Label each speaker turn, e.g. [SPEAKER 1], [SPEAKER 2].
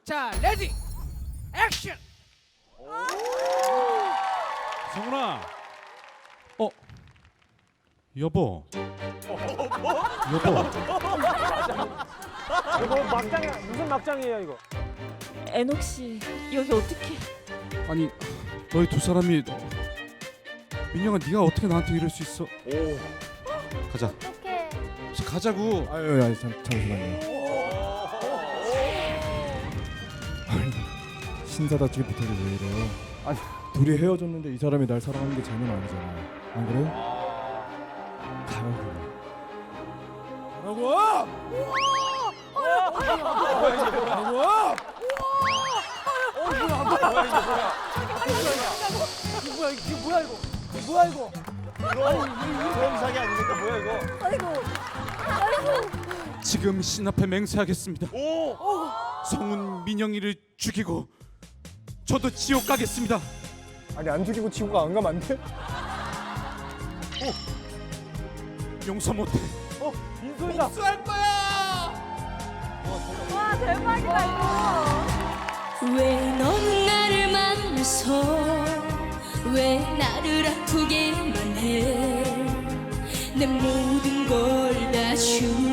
[SPEAKER 1] 자, 레디, 액션.
[SPEAKER 2] 성훈아. 여보. 여보.
[SPEAKER 3] 이거 막장이야. 무슨 막장이에요 이거?
[SPEAKER 4] 애녹 씨 여기 어떻게?
[SPEAKER 2] 아니 너희 두 사람이 민영아 네가 어떻게 나한테 이럴 수 있어? 가자.
[SPEAKER 5] 어떡해.
[SPEAKER 2] 가자고.
[SPEAKER 6] 아유, 잠시만요. 아니, 신사답지 못하게 왜 이래요? 아니, 둘이 헤어졌는데 이 사람이 날 사랑하는 게 재능 아니잖아요. 안 그래요? 가라고.
[SPEAKER 3] 뭐야 이거? 그런 사기 아닙니까? 뭐야 이거?
[SPEAKER 2] 지금 신 앞에 맹세하겠습니다. 성훈 민영이를 죽이고 저도 지옥 가겠습니다.
[SPEAKER 6] 아니, 안 죽이고 지구가 안 가면 안 돼?
[SPEAKER 2] 용서 못해.
[SPEAKER 3] 민소이다.
[SPEAKER 5] 와, 대박이다, 이거.
[SPEAKER 4] 왜 넌 나를 만나서 왜 나를 아프게만 해 내 모든 걸 다 주